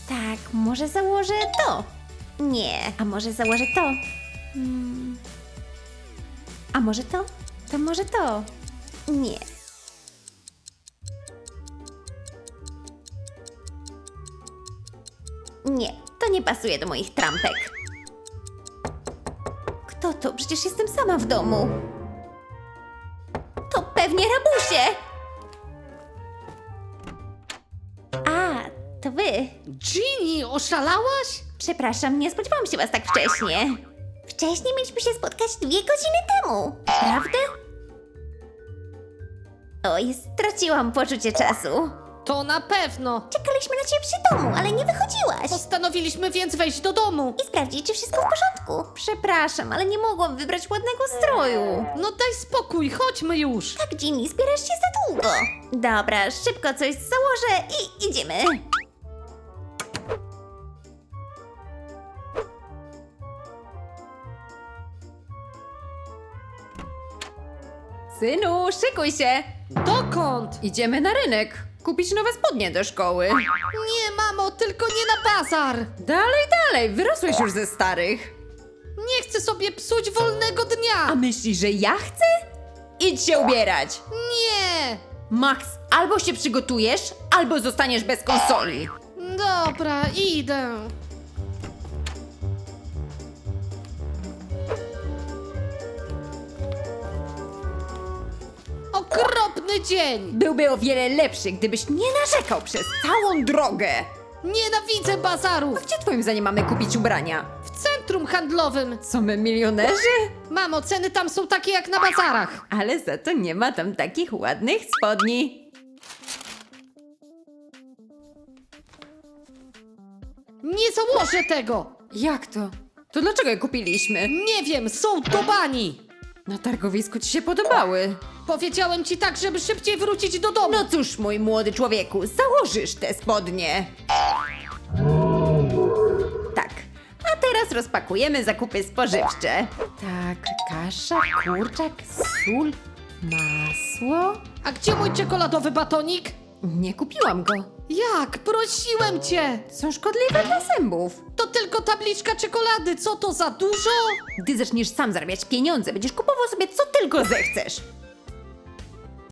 Tak, może założę to. Nie, a może założę to. A może to? To może to. Nie. Nie, to nie pasuje do moich trampek. Kto to? Przecież jestem sama w domu. To pewnie rabusie! A, to wy. Ginny, oszalałaś? Przepraszam, nie spodziewałam się was tak wcześnie. Wcześniej mieliśmy się spotkać 2 godziny temu. Prawda? Oj, straciłam poczucie czasu. To na pewno. Czekaliśmy na ciebie przy domu, ale nie wychodziłaś. Postanowiliśmy więc wejść do domu. I sprawdzić, czy wszystko w porządku. Przepraszam, ale nie mogłam wybrać ładnego stroju. No daj spokój, chodźmy już. Tak, Ginny, zbierasz się za długo. Dobra, szybko coś założę i idziemy. Synu, szykuj się! Dokąd? Idziemy na rynek. Kupić nowe spodnie do szkoły. Nie, mamo, tylko nie na bazar. Dalej, wyrosłeś już ze starych. Nie chcę sobie psuć wolnego A dnia. myślisz, że ja chcę? Idź się ubierać. Nie. Max, albo się przygotujesz, albo zostaniesz bez konsoli. Dobra, idę. Okropny dzień. Byłby o wiele lepszy, gdybyś nie narzekał przez całą drogę. Nienawidzę bazarów. Gdzie twoim zdaniem mamy kupić ubrania? W centrum handlowym. Co my, milionerzy? Mamo, ceny tam są takie jak na bazarach. Ale za to nie ma tam takich ładnych spodni. Nie założę tego. Jak to? To dlaczego je kupiliśmy? Nie wiem, są do bani. Na targowisku ci się podobały. Powiedziałem ci tak, żeby szybciej wrócić do domu. No cóż, mój młody człowieku, założysz te spodnie. Tak, a teraz rozpakujemy zakupy spożywcze. Tak, kasza, kurczak, sól, masło. A gdzie mój czekoladowy batonik? Nie kupiłam go. Jak? Prosiłem cię. Są szkodliwe dla zębów. To tylko tabliczka czekolady. Co to za dużo? Gdy zaczniesz sam zarabiać pieniądze, będziesz kupował sobie co tylko zechcesz.